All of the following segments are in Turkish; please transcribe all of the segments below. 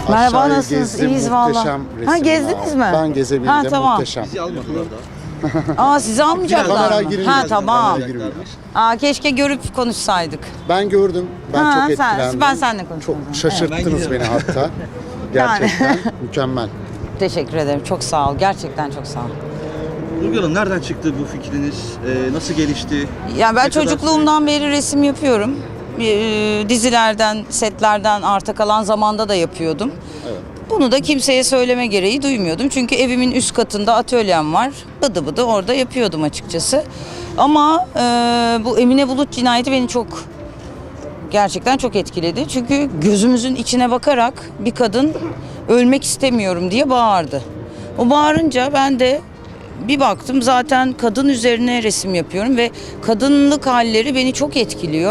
Merhaba, Aşağıyı nasılsınız? gezdim, İyiyiz muhteşem valla. resimler. Ha, gezdiniz mi? Ben gezebildim, Ha, tamam. muhteşem. Bizi almadılar da. Aa, sizi almayacaklar Kameraya mı? girilmez. Ha, tamam. Kameraya girilmez. Aa, keşke görüp konuşsaydık. Ben gördüm, ben Ha, çok sen- etkilendim. ben seninle konuştum Çok o zaman. şaşırttınız Evet. beni hatta. Gerçekten mükemmel. Teşekkür ederim. Çok sağ ol. Gerçekten çok sağ ol. Nurgül Hanım, nereden çıktı bu fikriniz? Nasıl gelişti? Ya ben Ne kadar çocukluğumdan beri resim yapıyorum. Dizilerden, setlerden arta kalan zamanda da yapıyordum. Evet. Bunu da kimseye söyleme gereği duymuyordum. Çünkü evimin üst katında atölyem var. Bıdı bıdı orada yapıyordum açıkçası. Ama bu Emine Bulut cinayeti beni gerçekten çok etkiledi. Çünkü gözümüzün içine bakarak bir kadın ölmek istemiyorum diye bağırdı. O bağırınca ben de bir baktım, zaten kadın üzerine resim yapıyorum ve kadınlık halleri beni çok etkiliyor.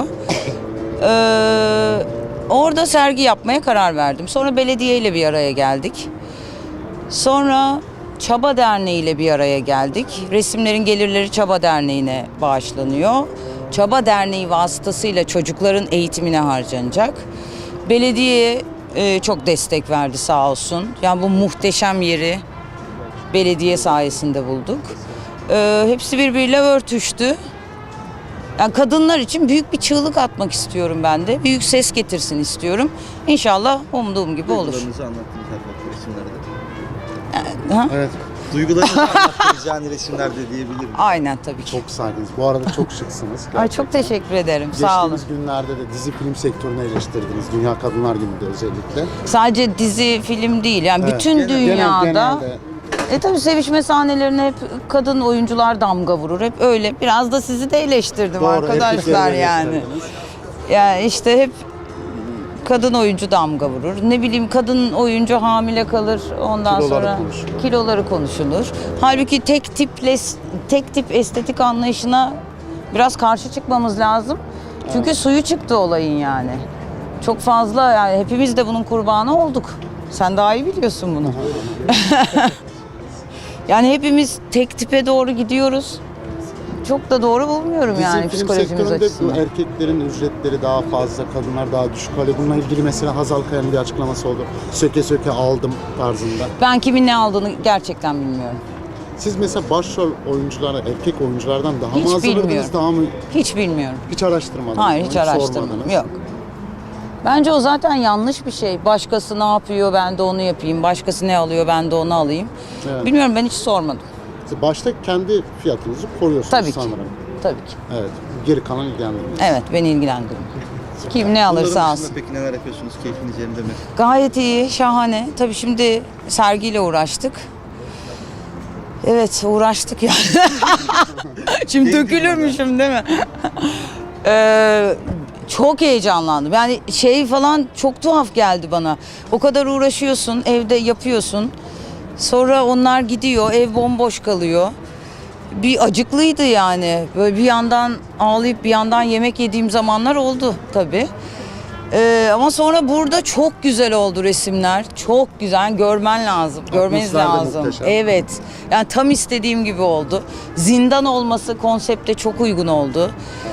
Orada sergi yapmaya karar verdim. Sonra belediyeyle bir araya geldik. Sonra Çaba Derneği ile bir araya geldik. Resimlerin gelirleri Çaba Derneği'ne bağışlanıyor. Çaba Derneği vasıtasıyla çocukların eğitimine harcanacak. Belediye çok destek verdi sağ olsun. Yani bu muhteşem yeri belediye sayesinde bulduk. Hepsi birbiriyle örtüştü. Yani kadınlar için büyük bir çığlık atmak istiyorum ben de. Büyük ses getirsin istiyorum. İnşallah umduğum gibi olur. Duygularınızı anlattınız her resimlerde. Ha? Evet, Duygularınızı anlattınız yani resimlerde diyebilirim. Aynen, tabii ki. çok saygınız. Bu arada çok şıksınız. Ay, çok teşekkür ederim. Sağ olun. Geçtiğimiz günlerde de dizi film sektörünü eleştirdiniz. Dünya Kadınlar Günü'nde özellikle. Sadece dizi, film değil. Yani Evet. bütün dünyada. Genelde Tabii sevişme sahnelerine hep kadın oyuncular damga vurur. Hep öyle. Biraz da sizi de eleştirdim doğru, arkadaşlar erkekleri yani. eleştirdiniz. Yani işte hep kadın oyuncu damga vurur. Ne bileyim, kadın oyuncu hamile kalır. Ondan Kiloları sonra konuşulur. kiloları konuşulur. Halbuki tek tip estetik anlayışına biraz karşı çıkmamız lazım. Çünkü suyu çıktı olayın yani. Çok fazla, yani hepimiz de bunun kurbanı olduk. Sen daha iyi biliyorsun bunu. Yani hepimiz tek tipe doğru gidiyoruz. Çok da doğru bulmuyorum yani Dizi film psikolojimiz sektöründe bu açısından. erkeklerin ücretleri daha fazla, kadınlar daha düşük. Hani bununla ilgili mesela Hazal Kaya'nın bir açıklaması oldu. Söke söke aldım tarzında. Ben kimin ne aldığını gerçekten bilmiyorum. Siz mesela başrol oyunculara, erkek oyunculardan daha Hiç mı hazırladınız, bilmiyorum. daha mı Hiç bilmiyorum. hiç araştırmadınız? Hayır, mı? hiç araştırmadım. sormadınız? Yok. Bence o zaten yanlış bir şey. Başkası ne yapıyor, ben de onu yapayım. Başkası ne alıyor, ben de onu alayım. Evet. Bilmiyorum, ben hiç sormadım. Siz başta kendi fiyatınızı koruyorsunuz Tabii ki. sanırım. Tabii ki. Evet. Geri kalan ilgilendirmiyor. Evet, beni ilgilendiriyor. Kim ne alırsa Bunların alsın. dışında peki neler yapıyorsunuz? Keyfiniz yerinde mi? Gayet iyi, şahane. Tabii şimdi sergiyle uğraştık. Evet, uğraştık yani. Şimdi dökülürmüşüm değil mi? Çok heyecanlandım. Yani şey falan çok tuhaf geldi bana. O kadar uğraşıyorsun, evde yapıyorsun. Sonra onlar gidiyor, ev bomboş kalıyor. Bir acıklıydı yani. Böyle bir yandan ağlayıp bir yandan yemek yediğim zamanlar oldu tabii. Ama sonra burada çok güzel oldu resimler. Çok güzel. Görmen lazım. Görmeniz Atmosfer de lazım. muhteşem. Evet. Yani tam istediğim gibi oldu. Zindan olması konsepte çok uygun oldu.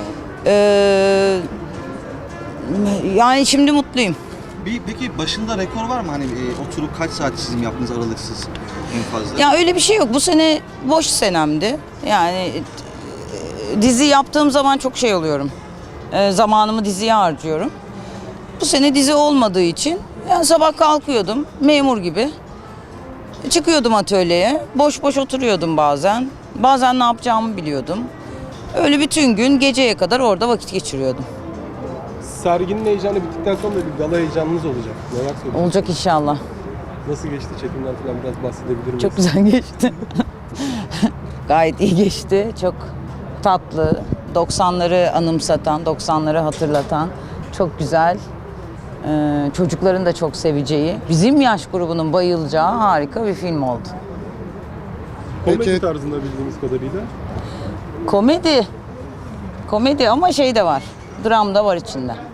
Yani şimdi mutluyum. Peki başında rekor var mı? Hani oturup kaç saat çizim yaptınız aralıksız en fazla? Ya öyle bir şey yok. Bu sene boş senemdi. Yani dizi yaptığım zaman çok şey oluyorum. Zamanımı diziye harcıyorum. Bu sene dizi olmadığı için yani sabah kalkıyordum memur gibi. Çıkıyordum atölyeye. Boş boş oturuyordum bazen. Bazen ne yapacağımı biliyordum. Öyle bütün gün geceye kadar orada vakit geçiriyordum. Serginin heyecanı bittikten sonra bir gala heyecanınız olacak. Neler söylüyorsunuz? Olacak inşallah. Nasıl geçti çekimler falan, biraz bahsedebilir miyiz? Çok güzel geçti. Gayet iyi geçti. Çok tatlı. 90'ları anımsatan, 90'ları hatırlatan çok güzel. Çocukların da çok seveceği, bizim yaş grubunun bayılacağı harika bir film oldu. Komedi Peki- tarzında bildiğimiz kadarıyla. Komedi. Komedi ama şey de var. Dram da var içinde.